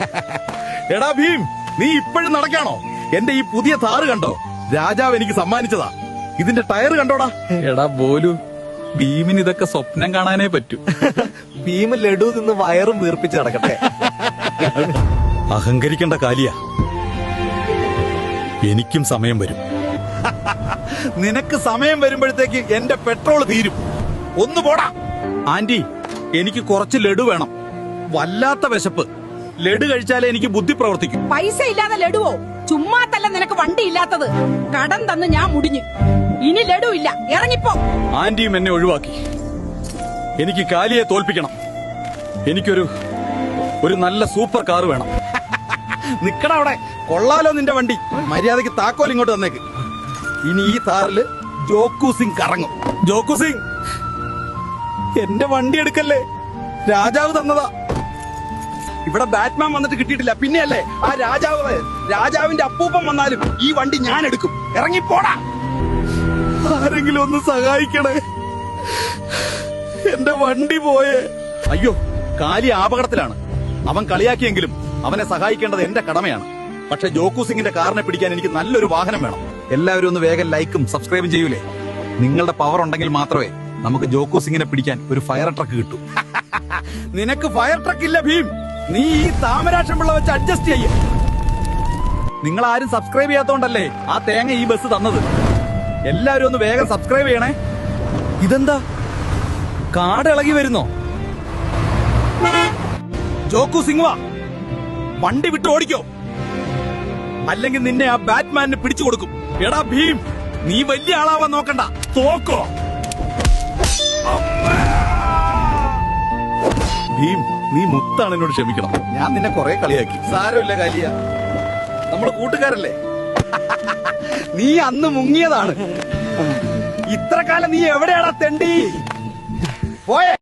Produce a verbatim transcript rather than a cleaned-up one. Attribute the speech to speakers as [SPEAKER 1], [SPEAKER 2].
[SPEAKER 1] എടാ ഭീം, നീ ഇപ്പോഴും നടക്കാണോ? എന്റെ ഈ പുതിയ താറ് കണ്ടോ? രാജാവ് എനിക്ക് സമ്മാനിച്ചതാ. ഇതിന്റെ ടയർ കണ്ടോടാ?
[SPEAKER 2] എടാ ബോലു, ഭീമിന് ഇതൊക്കെ സ്വപ്നം കാണാനേ പറ്റൂ.
[SPEAKER 3] ഭീമ് ലഡു നിന്ന് വയറും വീർപ്പിച്ച് നടക്കട്ടെ.
[SPEAKER 1] അഹങ്കരിക്കേണ്ട കാലിയ, എനിക്കും സമയം വരും. നിനക്ക് സമയം വരുമ്പോഴത്തേക്ക് എന്റെ പെട്രോൾ തീരും. ഒന്ന് പോടാ. ആന്റി, എനിക്ക് കുറച്ച് ലഡു വേണം. വല്ലാത്ത വിശപ്പ്. ലഡു കഴിച്ചാലേ എനിക്ക് ബുദ്ധി പ്രവർത്തിക്കും.
[SPEAKER 4] പൈസ ഇല്ലാതെ ലഡുവോ? ചുമ്മാത്തല്ല നിനക്ക് വണ്ടി ഇല്ലാത്തത്. കടം തന്ന് ഞാൻ മുടിഞ്ഞു. ഇനി ലഡു ഇല്ല, ഇറങ്ങിപ്പോ.
[SPEAKER 1] ആന്റിയും എന്നെ ഒഴിവാക്കി. എനിക്ക് കാലിയെ തോൽപ്പിക്കണം. എനിക്കൊരു ഒരു നല്ല സൂപ്പർ കാർ വേണം. നിക്കട അവിടെ. കൊള്ളാലോ നിന്റെ വണ്ടി. മര്യാദക്ക് താക്കോൽ ഇങ്ങോട്ട് തന്നേക്ക്. ഇനി ഈ താറില് ജോക്കു സിംഗ് കറങ്ങും. ജോക്കു സിംഗ്, എന്റെ വണ്ടി എടുക്കല്ലേ. രാജാവ് തന്നതാ. ഇവിടെ ബാറ്റ്മാൻ വന്നിട്ട് കിട്ടിയിട്ടില്ല. പിന്നെയല്ലേ ആ രാജാവ്. രാജാവിന്റെ അപ്പൂപ്പൻ വന്നാലും ഈ വണ്ടി ഞാൻ എടുക്കും. ഇറങ്ങിപ്പോടാ. ആരെങ്കിലും ഒന്ന് സഹായിക്കണേ. എന്റെ വണ്ടി പോയേ. അയ്യോ, കാലി അപകടത്തിലാണ്. അവൻ കളിയാക്കിയെങ്കിലും അവനെ സഹായിക്കേണ്ടത് എന്റെ കടമയാണ്. പക്ഷെ ജോക്കു സിംഗിന്റെ കാറിനെ പിടിക്കാൻ എനിക്ക് നല്ലൊരു വാഹനം വേണം. എല്ലാവരും ഒന്ന് വേഗം ലൈക്കും സബ്സ്ക്രൈബും ചെയ്യൂലേ? നിങ്ങളുടെ പവർ ഉണ്ടെങ്കിൽ മാത്രമേ നമുക്ക് ജോക്കു സിംഗിനെ പിടിക്കാൻ ഒരു ഫയർ ട്രക്ക് കിട്ടൂ. നിനക്ക് ഫയർ ട്രക്ക് ഇല്ല ഭീം. നീ ഈ താമരാക്ഷം പിള്ള വെച്ച് അഡ്ജസ്റ്റ് ചെയ്യ. നിങ്ങൾ ആരും സബ്സ്ക്രൈബ് ചെയ്യാത്തോണ്ടല്ലേ ആ തേങ്ങ ഈ ബസ് തന്നത്. എല്ലാവരും ഒന്ന് വേഗം സബ്സ്ക്രൈബ് ചെയ്യണേ. ഇതെന്താ, കാട് ഇളകി വരുന്നോ? ജോക്കു സിംഗ് വാ, വണ്ടി വിട്ട് ഓടിക്കോ, അല്ലെങ്കിൽ നിന്നെ ആ ബാറ്റ്മാനിന് പിടിച്ചു കൊടുക്കും. എടാ ഭീം, നീ വലിയ ആളാവാൻ നോക്കണ്ട. തോക്കോ. ഭീം, നീ മുത്താണ്, എന്നോട് ക്ഷമിക്കണം. ഞാൻ നിന്നെ കുറെ കളിയാക്കി. സാരമില്ല കാലിയ, നമ്മുടെ കൂട്ടുകാരല്ലേ. നീ അന്ന് മുങ്ങിയതാണ്. ഇത്ര കാലം നീ എവിടെയാടാ തെണ്ടി? പോയേ.